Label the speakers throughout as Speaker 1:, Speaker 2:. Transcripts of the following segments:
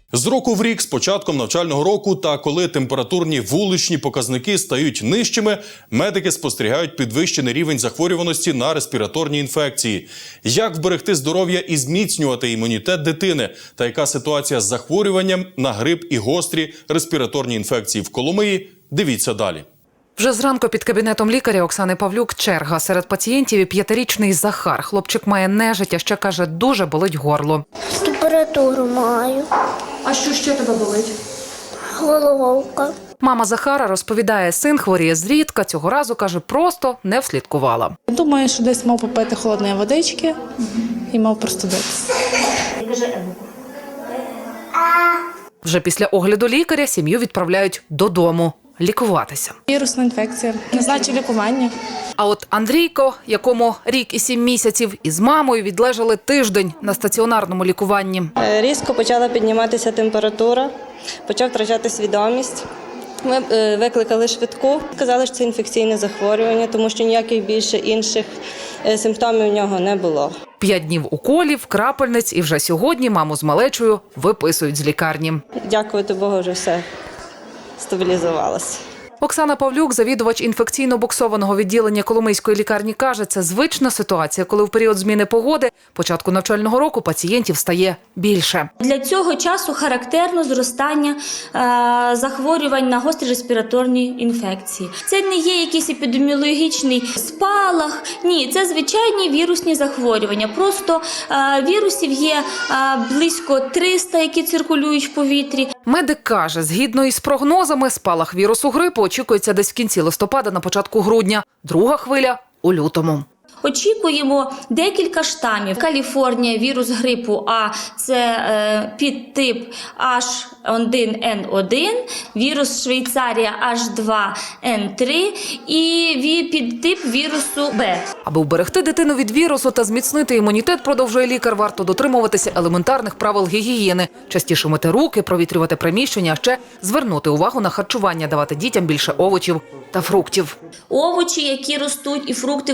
Speaker 1: З року в рік, з початком навчального року та коли температурні вуличні показники стають нижчими, медики спостерігають підвищений рівень захворюваності на респіраторні інфекції. Як вберегти здоров'я і зміцнювати імунітет дитини? Та яка ситуація з захворюванням на грип і гострі респіраторні інфекції в Коломиї? Дивіться далі.
Speaker 2: Вже зранку під кабінетом лікаря Оксани Павлюк черга. Серед пацієнтів і 5-річний Захар. Хлопчик має нежить, а ще, каже, дуже болить горло.
Speaker 3: Температуру маю.
Speaker 4: А що ще тебе болить?
Speaker 3: Головка.
Speaker 2: Мама Захара розповідає, син хворіє зрідка, цього разу, каже, просто не вслідкувала.
Speaker 5: Думаю, що десь мав попити холодної водички і мав простудитися.
Speaker 2: Вже після огляду лікаря сім'ю відправляють додому лікуватися.
Speaker 5: Вірусна інфекція, назначив лікування.
Speaker 2: А от Андрійко, якому рік і 7 місяців, із мамою відлежали тиждень на стаціонарному лікуванні.
Speaker 6: Різко почала підніматися температура, почав втрачати свідомість. Ми викликали швидку, сказали, що це інфекційне захворювання, тому що ніяких більше інших симптомів у нього не було.
Speaker 2: 5 днів уколів, крапельниць, і вже сьогодні маму з малечою виписують з лікарні.
Speaker 6: Дякувати Богу, вже все стабілізувалося.
Speaker 2: Оксана Павлюк, завідувач інфекційно-буксованого відділення Коломийської лікарні, каже, це звична ситуація, коли в період зміни погоди, початку навчального року, пацієнтів стає більше.
Speaker 7: Для цього часу характерно зростання захворювань на гострі респіраторні інфекції. Це не є якийсь епідеміологічний спалах, ні, це звичайні вірусні захворювання. Просто вірусів є близько 300, які циркулюють в повітрі.
Speaker 2: Медик каже, згідно із прогнозами, спалах вірусу грипу очікується десь в кінці листопада, на початку грудня. Друга хвиля – у лютому.
Speaker 7: Очікуємо декілька штамів. Каліфорнія, вірус грипу А – це підтип H1N1, вірус Швейцарія H2N3 і підтип вірусу Б.
Speaker 2: Аби вберегти дитину від вірусу та зміцнити імунітет, продовжує лікар, варто дотримуватися елементарних правил гігієни. Частіше мити руки, провітрювати приміщення, а ще звернути увагу на харчування, давати дітям більше овочів та фруктів.
Speaker 7: Овочі, які ростуть, і фрукти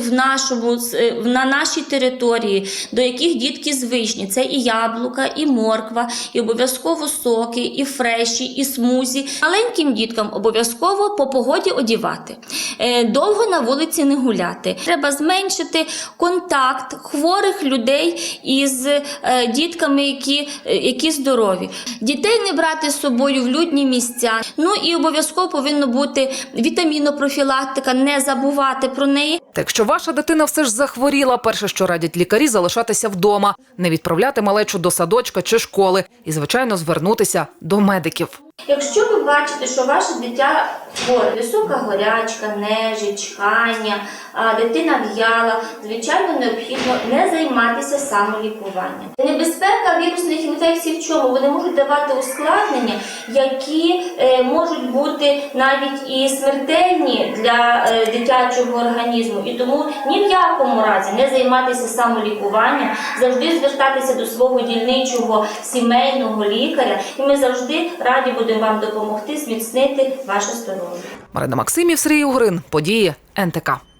Speaker 7: на нашій території, до яких дітки звичні. Це і яблука, і морква, і обов'язково соки, і фреші, і смузі. Маленьким діткам обов'язково по погоді одягати. Довго на вулиці не гуляти. Треба зменшити контакт хворих людей із дітками, які здорові. Дітей не брати з собою в людні місця. Ну і обов'язково повинна бути вітамінопрофілактика, не забувати про неї.
Speaker 2: Та якщо ваша дитина все ж захворіла, перше, що радять лікарі, залишатися вдома, не відправляти малечу до садочка чи школи і, звичайно, звернутися до медиків.
Speaker 7: Якщо ви бачите, що ваше дитя хворе, висока горячка, нежить, чхання, дитина в'яла, звичайно, необхідно не займатися самолікуванням. Небезпека вірусних інфекцій в чому? Вони можуть давати ускладнення, які можуть бути навіть і смертельні для дитячого організму. І тому ні в якому разі не займатися самолікуванням, завжди звертатися до свого дільничого сімейного лікаря. І ми завжди раді будемо вам допомогти зміцнити ваше здоров'я.
Speaker 2: Марина Максимів, Сергій Угрин. Події НТК.